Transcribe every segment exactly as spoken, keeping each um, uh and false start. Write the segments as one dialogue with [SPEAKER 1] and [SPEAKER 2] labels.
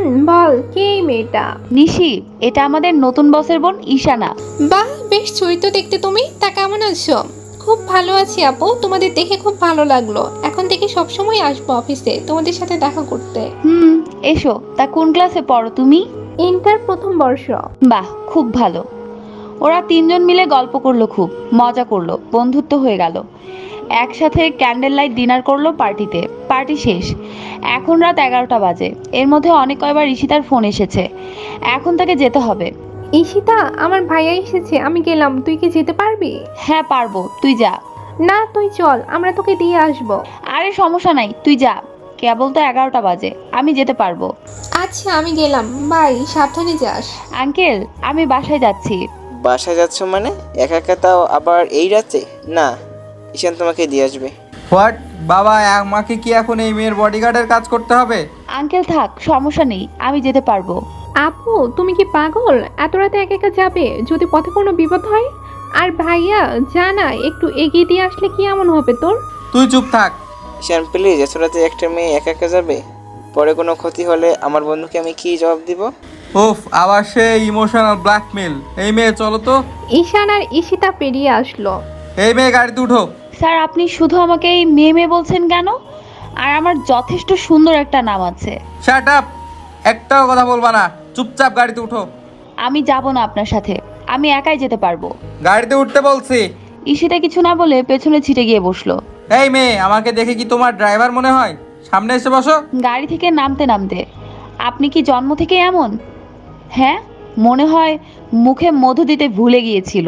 [SPEAKER 1] বল কে এই মেয়েটা?
[SPEAKER 2] নিশি, এটা আমাদের নতুন বসের বোন ঈশানা।
[SPEAKER 1] বাহ, বেশ চরিত্র দেখতে তুমি। তা কেমন আছো? খুব ভালো আছি আপু, তোমাদের দেখে খুব ভালো লাগলো। এখন থেকে সবসময় আসবো অফিসে তোমাদের সাথে দেখা করতে।
[SPEAKER 2] হুম, এসো। তা কোন ক্লাসে পড়ো তুমি?
[SPEAKER 1] ইন্টার প্রথম বর্ষ।
[SPEAKER 2] বাহ, খুব ভালো। ওরা তিনজন মিলে গল্প করলো, খুব মজা করলো, বন্ধুত্ব হয়ে গেল। একসাথে ক্যান্ডেল লাইট ডিনার করলো পার্টিতে। পার্টি শেষ, এখন রাত এগারোটা বাজে। এর মধ্যে অনেক কয়বার ঈশিতার ফোন এসেছে। এখন তাকে যেতে হবে।
[SPEAKER 1] ঈশিতা, আমার ভাইয়া এসেছে, আমি গেলাম। তুই কি যেতে পারবি?
[SPEAKER 2] হ্যাঁ পারবো, তুই যা।
[SPEAKER 1] না, তুই চল, আমরা তোকে দিয়ে আসবো।
[SPEAKER 2] আরে সমস্যা নাই, তুই যা। কেবল তো এগারোটা বাজে, আমি যেতে পারবো।
[SPEAKER 1] আচ্ছা, আমি গেলাম, বাই, সাবধানে যাস।
[SPEAKER 2] আঙ্কেল, আমি বাসায় যাচ্ছি।
[SPEAKER 3] বাসায় যাচ্ছ মানে? একা একা, তাও আবার এই রাতে? না, ঈশান তোমাকে দিয়ে আসবে।
[SPEAKER 4] হোয়াট? বাবা, আমাকে কি এখন এই মেয়ের বডিগার্ডের কাজ করতে হবে?
[SPEAKER 2] আঙ্কেল থাক, সমস্যা নেই, আমি যেতে পারবো।
[SPEAKER 1] আপু, তুমি কি পাগল? এত রাতে একা একা যাবে? যদি পথে কোনো বিপদ হয়? আর ভাইয়া, জানা একটু এগিয়ে দিয়ে আসলে কি এমন হবে তোর?
[SPEAKER 4] তুই চুপ থাক।
[SPEAKER 3] ঈশান প্লিজ, এত রাতে একটা মেয়ে একা একা যাবে? পরে কোনো ক্ষতি হলে আমার বন্ধুকে আমি কি জবাব দিব?
[SPEAKER 4] উফ, আবার সে ইমোশনাল ব্ল্যাকমেল। এই মেয়ে চলো তো।
[SPEAKER 1] ঈশান আর ঈশিতা পেরিয়ে আসলো।
[SPEAKER 4] এই মেয়ে গাড়িতে উঠো।
[SPEAKER 2] স্যার, আপনি শুধু আমাকে এই মেয়ে মেয়ে বলছেন কেন? আর আমার যথেষ্ট সুন্দর একটা নাম আছে।
[SPEAKER 4] শাট আপ, একটাও কথা বলবা না, চুপচাপ গাড়িতে উঠো।
[SPEAKER 2] আমি যাব না আপনার সাথে, আমি একাই যেতে পারবো।
[SPEAKER 4] গাড়িতে উঠতে বলছি।
[SPEAKER 2] ঈশিতা কিছু না বলে পেছনে ছিটে গিয়ে বসলো।
[SPEAKER 4] এই মেয়ে, আমাকে দেখে কি তোমার ড্রাইভার মনে হয়? সামনে এসে বসো।
[SPEAKER 2] গাড়ি থেকে নামতে নামতে, আপনি কি জন্ম থেকে এমন? হ্যাঁ, মনে হয় মুখে মধু দিতে ভুলে গিয়েছিল।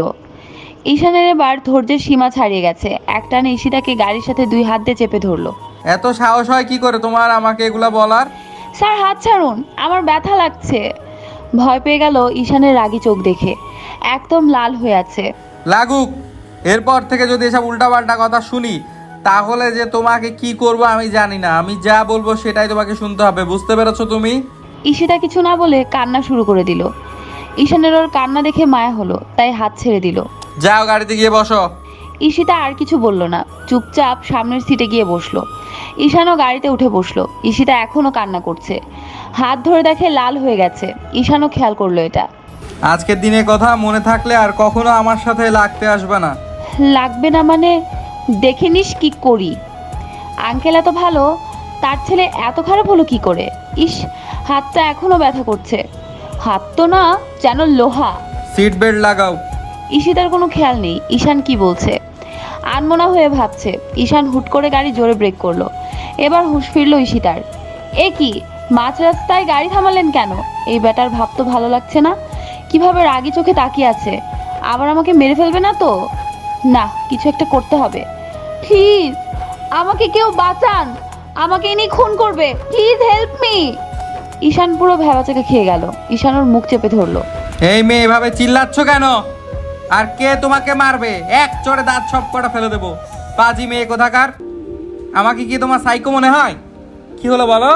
[SPEAKER 2] ঈশানের এবার ধৈর্যের সীমা ছাড়িয়ে গেছে। একটানে ঈশিতাকে গাড়ির সাথে দুই হাত দিয়ে চেপে ধরলো।
[SPEAKER 4] এত সাহস হয় কি করে তোমার আমাকে এগুলা বলার?
[SPEAKER 2] স্যার হাত ছাড়ুন, আমার ব্যথা লাগছে। ভয় পেয়ে গেল ঈশানের রাগী চোখ দেখে। একদম লাল হয়ে আছে।
[SPEAKER 4] লাগুক। এরপর থেকে যদি এসব উল্টাপাল্টা কথা শুনি, তাহলে যে তোমাকে কি করব আমি জানি না। আমি যা বলবো সেটাই তোমাকে শুনতে হবে, বুঝতে পেরেছো তুমি?
[SPEAKER 2] ঈশিতা কিছু না বলে কান্না শুরু করে দিল। ঈশানের ওর কান্না দেখে মায়া হলো, তাই হাত ছেড়ে দিল।
[SPEAKER 4] যাও গাড়িতে গিয়ে বসো।
[SPEAKER 2] ঈশিতা আর কিছু বলল না, চুপচাপ সামনের সিটে গিয়ে বসলো। ঈশানও গাড়িতে উঠে বসলো। ঈশিতা এখনো কান্না করছে, হাত ধরে দেখে লাল হয়ে গেছে। ঈশানও খেয়াল করলো এটা।
[SPEAKER 4] আজকের দিনের কথা মনে থাকলে আর কখনো আমার সাথে লাগতে আসবে না।
[SPEAKER 2] লাগবে না মানে? দেখে নিস কি করি। আঙ্কেল এত ভালো, তার ছেলে এত খারাপ হলো কি করে? ইস, হাতটা এখনো ব্যথা করছে। হাত তো না, যেন লোহা।
[SPEAKER 4] সিট বেল্ট লাগাও।
[SPEAKER 2] ঈশিতার কোনো খেয়াল নেই ঈশান কি বলছে। আনমনা হয়ে ভাবছে। ঈশান হুট করে গাড়ি জোরে ব্রেক করলো। এবার হুঁশ ফিরলো ঈশিতার। এ কি, মাঝ রাস্তায় গাড়ি থামালেন কেন? এই ব্যাটার ভাব তো ভালো লাগছে না। কিভাবে রাগি চোখে তাকিয়ে আছে। আবার আমাকে মেরে ফেলবে না তো? না, কিছু একটা করতে হবে। প্লিজ, আমাকে কেউ বাঁচান, আমাকে ইনি খুন করবে, প্লিজ হেল্প মি। ঈশান পুরো ভেবাচাকে খেয়ে গেল। ঈশান ওর মুখ চেপে ধরলো।
[SPEAKER 4] এই মেয়ে এভাবে চিল্লাচ্ছ কেন? আর কে তোমাকে মারবে? এক চড়ে দাঁত সব কটা ফেলে দেবো। পাজি মেয়ে কোথাকার। আমাকে কি তোমার সাইকো মনে হয়? কি হলো বলো?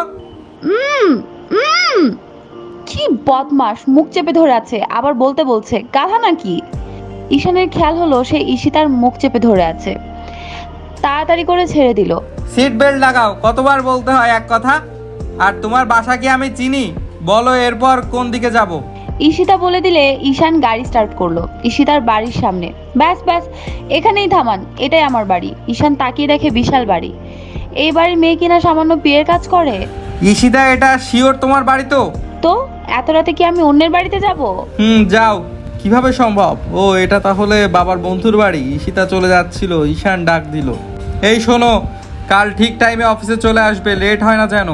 [SPEAKER 2] উম উম কি বদমাস, মুখ চেপে ধরে আছে, আবার বলতে বলছে। গাধা নাকি? ঈশানের খেয়াল হলো সে ঈশিতার মুখ চেপে ধরে আছে। তাড়াতাড়ি করে ছেড়ে দিল।
[SPEAKER 4] সিট বেল্ট লাগাও, কতবার বলতে হয় এক কথা? আর তোমার বাসা কি আমি চিনি? বলো এরপর কোন দিকে যাব?
[SPEAKER 2] ঈশিতা বলে দিলে ঈশান গাড়ি স্টার্ট করলো ঈশিতার বাড়ির সামনে। ব্যাস ব্যাস, এখানেই থামান, এটাই আমার বাড়ি। ঈশান তাকিয়ে দেখে বিশাল বাড়ি। এই বাড়ির মেয়ে কিনা সামান্য বিয়ের কাজ করে।
[SPEAKER 4] ঈশিতা, এটা শিওর তোমার বাড়ি তো?
[SPEAKER 2] তো এত রাতে কি আমি অন্যের বাড়িতে যাব?
[SPEAKER 4] হুম, যাও। কিভাবে সম্ভব? ও, এটা তাহলে বাবার বন্ধুর বাড়ি। ঈশিতা চলে যাচ্ছিল, ঈশান ডাক দিল। এই শোনো, কাল ঠিক টাইমে অফিসে চলে আসবে, লেট হয় না যেন।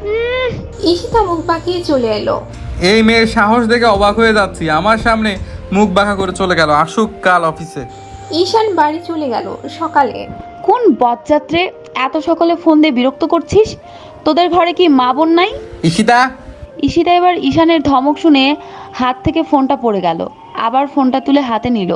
[SPEAKER 1] ঈশিতা মুখ বাঁকিয়ে চলে এলো।
[SPEAKER 4] এই মেয়ের সাহস দেখে অবাক হয়ে যাচ্ছি। আমার সামনে মুখ বাঁকা করে চলে গেল। আসুক কাল অফিসে।
[SPEAKER 1] ঈশান বাড়ি চলে গেল। সকালে
[SPEAKER 2] কোন বদযাত্রে এত সকালে ফোন দিয়ে বিরক্ত করছিস? তোদের ঘরে কি মা বোন নাই?
[SPEAKER 4] ঈশিতা।
[SPEAKER 2] ঈশিতা এবার ঈশানের ধমক শুনে হাত থেকে ফোনটা পড়ে গেল। আবার ফোনটা তুলে হাতে নিল।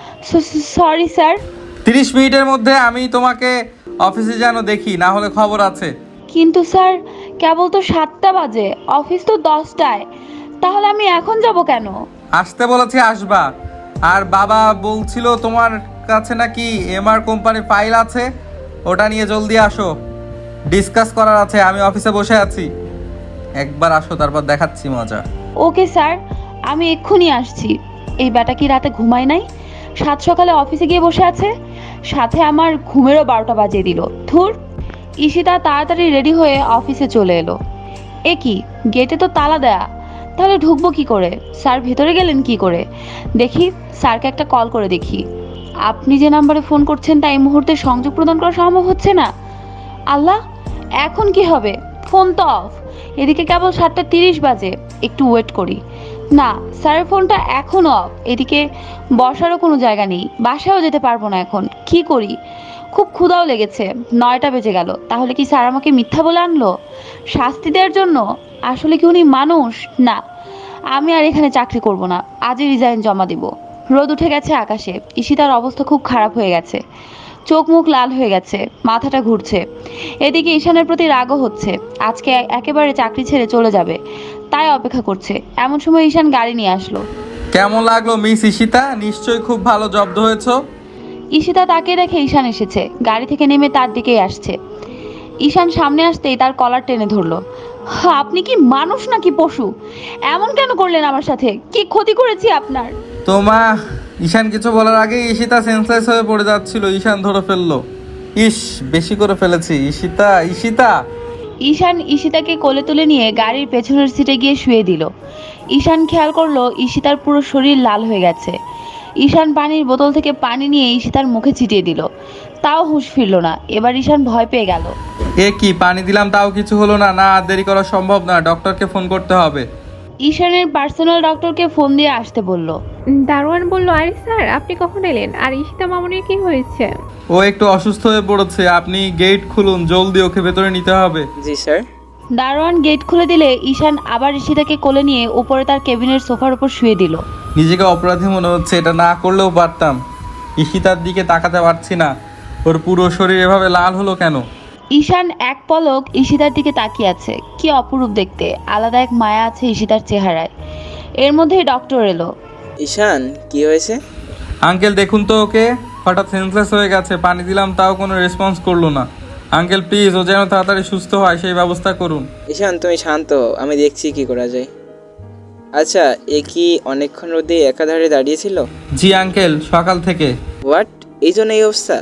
[SPEAKER 2] Sorry sir.
[SPEAKER 4] তিরিশ মিনিটের মধ্যে আমি তোমাকে অফিসে যেন দেখি, না হলে খবর আছে।
[SPEAKER 2] কিন্তু স্যার, কেবল তো সাতটা বাজে, অফিস তো দশটায়। তাহলে আমি এখন যাব কেন?
[SPEAKER 4] আসতে বলেছি, আসবা। আর বাবা বলছিল তোমার কাছে নাকি এমআর কোম্পানির ফাইল আছে, ওটা নিয়ে জলদি আসো, ডিসকাস করার আছে। আমি অফিসে বসে আছি। একবার আসো, তারপর দেখাচ্ছি মজা।
[SPEAKER 2] ওকে স্যার, আমি এক্ষুনি আসছি। এই ব্যাটা কি রাতে ঘুমায় নাই? সাত সকালে অফিসে গিয়ে বসে আছে, সাথে আমার ঘুমেরও বারোটা বাজিয়ে দিল। ধুর। ঈশিতা তাড়াতাড়ি রেডি হয়ে অফিসে চলে এলো। এ কি, গেটে তো তালা দেয়া, তাহলে ঢুকবো কি করে? স্যার ভেতরে গেলেন কি করে? দেখি, স্যারকে একটা কল করে দেখি। আপনি যে নাম্বারে ফোন করছেন তা এই মুহূর্তে সংযোগ প্রদান করা সম্ভব হচ্ছে না। আল্লাহ, এখন কি হবে? ফোন তো অফ। এদিকে কেবল সাতটা তিরিশ বাজে। একটু ওয়েট করি। না, স্যারের ফোনটা এখনও অফ। এদিকে বসারও কোনো জায়গা নেই, বাসায়ও যেতে পারবো না এখন। কি করি? খুব ক্ষুধাও লেগেছে। নয়টা বেজে গেল। তাহলে কি স্যার আমাকে মিথ্যা বলে আনলো শাস্তি দেওয়ার জন্য? আসলে কি উনি মানুষ? না, আমি আর এখানে চাকরি করব না। আজই রিজাইন জমা দিব। রোদ উঠে গেছে আকাশে। ঈশিতার অবস্থা খুব খারাপ হয়ে গেছে। চোখ মুখ লাল হয়ে গেছে, মাথাটা ঘুরছে। এদিকে ঈশানের প্রতি রাগও হচ্ছে। আজকে একেবারে চাকরি ছেড়ে চলে যাবে, তাই অপেক্ষা করছে। এমন সময় ঈশান গাড়ি নিয়ে আসলো।
[SPEAKER 4] কেমন লাগলো মিস ঈশিতা? নিশ্চয়ই খুব ভালো জব্দ হয়েছো।
[SPEAKER 2] ঈশিতা তাকে রেখে ঈশান এসেছে, গাড়ি থেকে নেমে তার দিকেই আসছে। ঈশান সামনে আসতেই তার কলার টেনে ধরলো। হা, আপনি কি মানুষ নাকি পশু? এমন কেন করলেন আমার সাথে? কি ক্ষতি করেছি আপনার?
[SPEAKER 4] তোমা ঈশান কিছু বলার আগে ঈশিতা সেন্সলেস হয়ে পড়ে যাচ্ছিল। ঈশান ধরে ফেললো। ইস, বেশি করে ফেলেছি। ঈশিতা, ঈশিতা।
[SPEAKER 2] ঈশান ঈশিতাকে কোলে তুলে নিয়ে গাড়ির পেছনের সিটে গিয়ে শুয়ে দিল। ঈশান খেয়াল করলো ঈশিতার পুরো শরীর লাল হয়ে গেছে। ঈশান পানির বোতল থেকে পানি নিয়ে ঈশিতার মুখে ছিটিয়ে দিল। তাও হুঁশ ফিরল না। এবার ঈশান ভয় পেয়ে গেল।
[SPEAKER 4] এ কি, পানি দিলাম তাও কিছু হলো না? না, আর দেরি করা সম্ভব না, ডক্টরকে ফোন করতে হবে।
[SPEAKER 2] ঈশানের পার্সোনাল ডক্টরকে ফোন দিয়ে আসতে বলল।
[SPEAKER 1] দারোয়ান বলল, আরে স্যার আপনি কখন এলেন? আর ঈশিতা মামুনির কি হয়েছে?
[SPEAKER 4] ও একটু অসুস্থ হয়ে পড়েছে, আপনি গেট খুলুন জলদি, ওকে ভেতরে নিতে হবে।
[SPEAKER 3] জি স্যার।
[SPEAKER 2] দারোয়ান গেট খুলে দিলে ঈশান আবার ঈশিতাকে কোলে নিয়ে উপরে তার কেবিনের সোফার উপর শুয়ে দিল।
[SPEAKER 4] নিজেকে অপরাধী মনে হচ্ছে, এটা না করলেও পারতাম। ঈশিতার দিকে তাকাতে পারছি না, ওর পুরো শরীর এভাবে লাল হলো কেন?
[SPEAKER 2] ঈশান এক পলক ঈশিতার দিকে তাকিয়ে আছে। কি অপরূপ দেখতে, আলাদা এক মায়া আছে ঈশিতার চেহারায়। এর মধ্যেই ডক্টর এলো।
[SPEAKER 3] ঈশান, কি হয়েছে?
[SPEAKER 4] আঙ্কেল দেখুন তো ওকে, হঠাৎ সেন্সলেস হয়ে গেছে। পানি দিলাম তাও কোনো রেসপন্স করলো না। আঙ্কেল প্লিজ, ও যেন তাড়াতাড়ি সুস্থ হয় সেই ব্যবস্থা করুন।
[SPEAKER 3] ঈশান তুমি শান্ত হও, আমি দেখছি কি করা যায়। আচ্ছা, এ কি অনেকক্ষণ রোদে একাধারে দাঁড়িয়েছিল?
[SPEAKER 4] জি আঙ্কেল, সকাল থেকে।
[SPEAKER 3] হোয়াট, এই জন্য এই অবস্থা?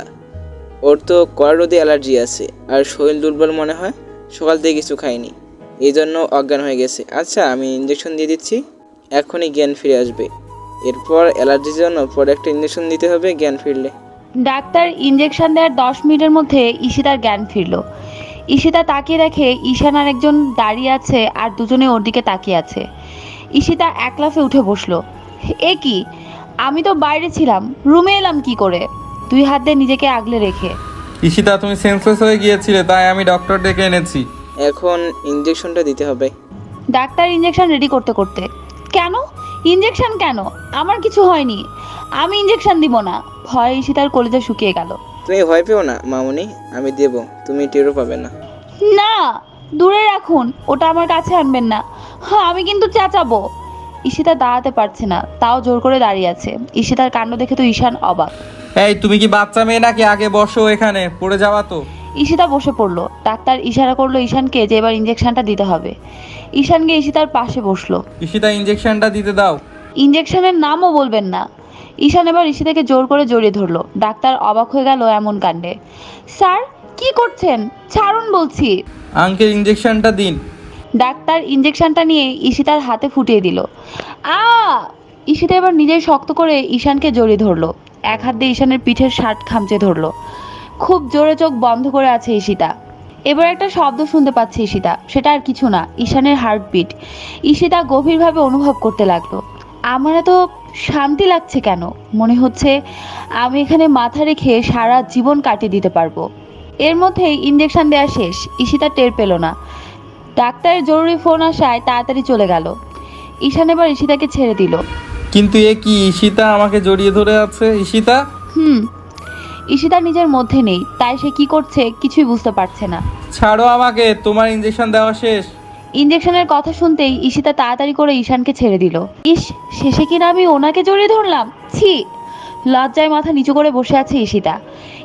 [SPEAKER 3] ওর তো কড়া রোদে অ্যালার্জি আছে, আর শরীর দুর্বল মনে হয়। সকাল থেকে কিছু খায়নি, এই জন্য অজ্ঞান হয়ে গেছে। আচ্ছা, আমি ইঞ্জেকশন দিয়ে দিচ্ছি, এখনই জ্ঞান ফিরে আসবে। এরপর অ্যালার্জির জন্য পরে একটা ইঞ্জেকশন দিতে হবে জ্ঞান ফিরলে।
[SPEAKER 2] ডাক্তার ইঞ্জেকশন দেওয়ার দশ মিনিটের মধ্যে ঈশিতার জ্ঞান ফিরল। ঈশিতা তাকিয়ে দেখে ঈশান আর একজন দাঁড়িয়ে আছে, আর দুজনে ওর দিকে তাকিয়ে আছে। ঈশিতা এক লাফে উঠে বসলো। এ কি, আমি তো বাইরে ছিলাম, রুমে এলাম কি করে? দুই হাত দিয়ে নিজেকে আগলে রেখে।
[SPEAKER 4] ঈশিতা তুমি সেন্সলেস হয়ে গিয়েছিলে, তাই আমি ডক্টর ডেকে এনেছি।
[SPEAKER 3] এখন ইঞ্জেকশনটা দিতে হবে।
[SPEAKER 2] ডাক্তার ইঞ্জেকশন রেডি করতে করতে, কেন ইঞ্জেকশন কেন? আমার কিছু হয়নি, আমি ইঞ্জেকশন দিব না। ভয়ে ঈশিতার কলিজা শুকিয়ে গেল।
[SPEAKER 3] তুমি ভয় পেও না মামুনি, আমি দেব, তুমি টেরও পাবে না।
[SPEAKER 2] না, দূরে রাখুন, ওটা আমার কাছে আনবেন না। হ্যাঁ, আমি কিন্তু চেঁচাবো। ঈশিতা দাঁড়াতে পারছে না, তাও জোর করে দাঁড়িয়ে আছে। ঈশিতার কাণ্ড দেখে তো ঈশান অবাক।
[SPEAKER 4] এই তুমি কি বাচ্চা মেয়ে নাকি? আগে বসো, এখানে পড়ে যাওয়া তো।
[SPEAKER 2] ঈশিতা বসে পড়লো। ডাক্তার ইশারা করলো ঈশানকে যে এবার ইঞ্জেকশনটা দিতে হবে। ঈশান গিয়ে ঈশিতার পাশে বসলো।
[SPEAKER 4] ঈশিতা ইঞ্জেকশনটা দিতে দাও।
[SPEAKER 2] ইঞ্জেকশনের নামও বলবেন না। ঈশান এবার ঈশিতাকে জোর করে জড়িয়ে ধরলো। ডাক্তার অবাক হয়ে গেল এমন কাণ্ডে। স্যার কি করছেন? ছাড়ুন বলছি।
[SPEAKER 4] আঙ্কেল ইঞ্জেকশনটা দিন।
[SPEAKER 2] ডাক্তার ইঞ্জেকশনটা নিয়ে ঈশিতার হাতে ফুটিয়ে দিল। আ ঈশিতা এবার নিজেই শক্ত করে ঈশানকে জড়িয়ে ধরলো। এক হাত দিয়ে ঈশানের পিঠের শার্ট খামচে ধরলো। খুব জোরে চোখ বন্ধ করে আছে ঈশিতা। এবার একটা শব্দ শুনতে পাচ্ছে ঈশিতা, সেটা আর কিছু না, ঈশানের হার্টবিট। ঈশিতা গভীরভাবে অনুভব করতে লাগলো। আমার এত শান্তি লাগছে কেন? মনে হচ্ছে আমি এখানে মাথা রেখে সারা জীবন কাটিয়ে দিতে পারবো। এর মধ্যেই ইঞ্জেকশন দেওয়া শেষ। ঈশিতা টের পেল না। ডাক্তারের জরুরি ফোন আসায় তাড়াতাড়ি চলে গেল। ঈশান এবার ঈশিতাকে ছেড়ে দিল।
[SPEAKER 4] কিন্তু এ কি, ঈশিতা আমাকে জড়িয়ে ধরে আছে। ঈশিতা।
[SPEAKER 2] হুম ঈশিতা নিজের মধ্যে নেই, তাই সে কি করছে কিছুই বুঝতে পারছে না।
[SPEAKER 4] ছাড়ো আমাকে, তোমার ইঞ্জেকশন দেওয়া শেষ।
[SPEAKER 2] ইঞ্জেকশনের কথা শুনতেই ঈশিতা তাড়াতাড়ি করে ঈশানকে ছেড়ে দিল। ইস, শেষে কিনা আমি ওনাকে জড়িয়ে ধরলাম। ছি, লজ্জায় মাথা নিচু করে বসে আছে ঈশিতা।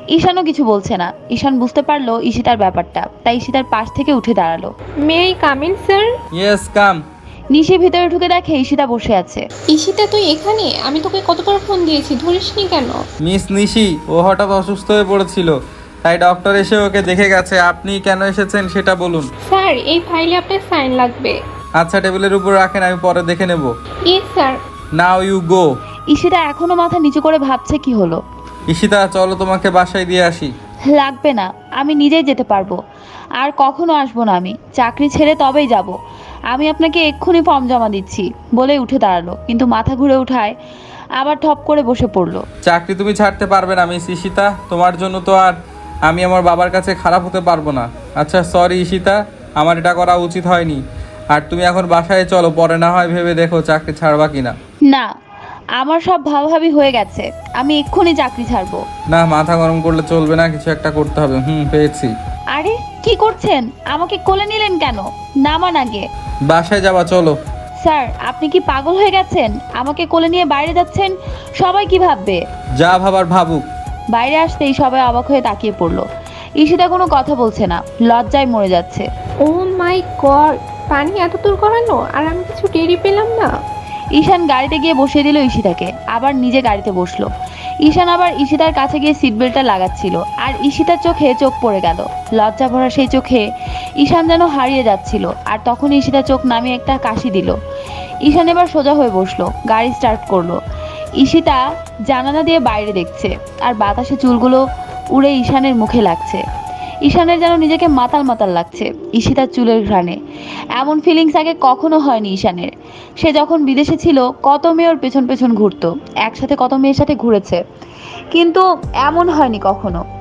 [SPEAKER 2] ঈশানও কিছু বলছে না। ঈশান বুঝতে পারলো ঈশিতার ব্যাপারটা, তাই ঈশিতার পাশ থেকে উঠে দাঁড়ালো।
[SPEAKER 1] May I come in sir?
[SPEAKER 4] Yes come.
[SPEAKER 2] Nishi ভিতরে ঢুকে দেখে ঈশিতা বসে আছে।
[SPEAKER 1] ঈশিতা তুই এখানে? আমি তোকে কতবার ফোন দিয়েছি, ধরিসনি কেন?
[SPEAKER 4] মিস নিশি ও হঠাৎ অসুস্থ হয়ে পড়েছিল, তাই ডক্টর এসে ওকে দেখে গেছে। আপনি কেন এসেছেন সেটা বলুন।
[SPEAKER 1] স্যার এই ফাইলে আপনার সাইন লাগবে।
[SPEAKER 4] আচ্ছা টেবিলের উপর রাখেন, আমি পরে দেখে নেব।
[SPEAKER 1] Yes sir.
[SPEAKER 4] Now you go.
[SPEAKER 2] Ishita এখনো মাথা নিচু করে ভাবছে কি হলো।
[SPEAKER 4] ঈশিতা চলো তোমাকে বাসায় দিয়ে আসি।
[SPEAKER 2] লাগবে না, আমি নিজেই যেতে পারবো। আর কখনো আসবো না আমি, চাকরি ছেড়ে তবেই যাব। আমি আপনাকে এক্ষুনি ফর্ম জমা দিচ্ছি বলে উঠে দাঁড়ালো, কিন্তু মাথা ঘুরে উঠায় আবার ঠপ করে বসে পড়লো।
[SPEAKER 4] চাকরি তুমি ছাড়তে পারবে না মিস ঈশিতা, তোমার জন্য তো আর আমি আমার বাবার কাছে খারাপ হতে পারবো না। আচ্ছা সরি ঈশিতা, আমার এটা করা উচিত হয়নি। আর তুমি এখন বাসায় চলো, পরে না হয় ভেবে দেখো চাকরি ছাড়বা কিনা।
[SPEAKER 2] না, আমার সব ভাবাভাবি হয়ে গেছে, আমি এক্ষুনি চাকরি ছাড়বো।
[SPEAKER 4] না মাথা গরম করলে চলবে না, কিছু একটা করতে হবে। হুম পেয়েছি।
[SPEAKER 2] আরে কি করছেন? আমাকে কোলে নিলেন কেন? নামান আগে।
[SPEAKER 4] বাসায় যাবা চলো।
[SPEAKER 2] স্যার আপনি কি পাগল হয়ে গেছেন? আমাকে কোলে নিয়ে বাইরে যাচ্ছেন, সবাই কি ভাববে?
[SPEAKER 4] যা ভাবার ভাবুক।
[SPEAKER 2] বাইরে আসতেই সবাই অবাক হয়ে তাকিয়ে পড়লো। ঈশিতা কোনো কথা বলছে না, লজ্জায় মরে যাচ্ছে।
[SPEAKER 1] ও মাই গড, পানি এত দূর করানো, আর আমি কিছু টেরি পেলাম না।
[SPEAKER 2] ঈশান গাড়িতে গিয়ে বসিয়ে দিল ঈশিতাকে, আবার নিজে গাড়িতে বসলো। ঈশান আবার ঈশিতার কাছে গিয়ে সিট বেল্টটা লাগাচ্ছিল, আর ঈশিতার চোখে চোখ পড়ে গেল। লজ্জা ভরা সেই চোখে ঈশান যেন হারিয়ে যাচ্ছিল। আর তখন ঈশিতা চোখ নামিয়ে একটা কাশি দিল। ঈশান এবার সোজা হয়ে বসলো, গাড়ি স্টার্ট করলো। ঈশিতা জানালা দিয়ে বাইরে দেখছে, আর বাতাসে চুলগুলো উড়ে ঈশানের মুখে লাগছে। ঈশানের যেন নিজেকে মাতাল মাতাল লাগছে ঈশিতার চুলের ঘ্রাণে। এমন ফিলিংস আগে কখনো হয়নি ঈশানের। সে যখন বিদেশে ছিল কত মেয়ের পেছন পেছন ঘুরতো, একসাথে কত মেয়ের সাথে ঘুরেছে, কিন্তু এমন হয়নি কখনো।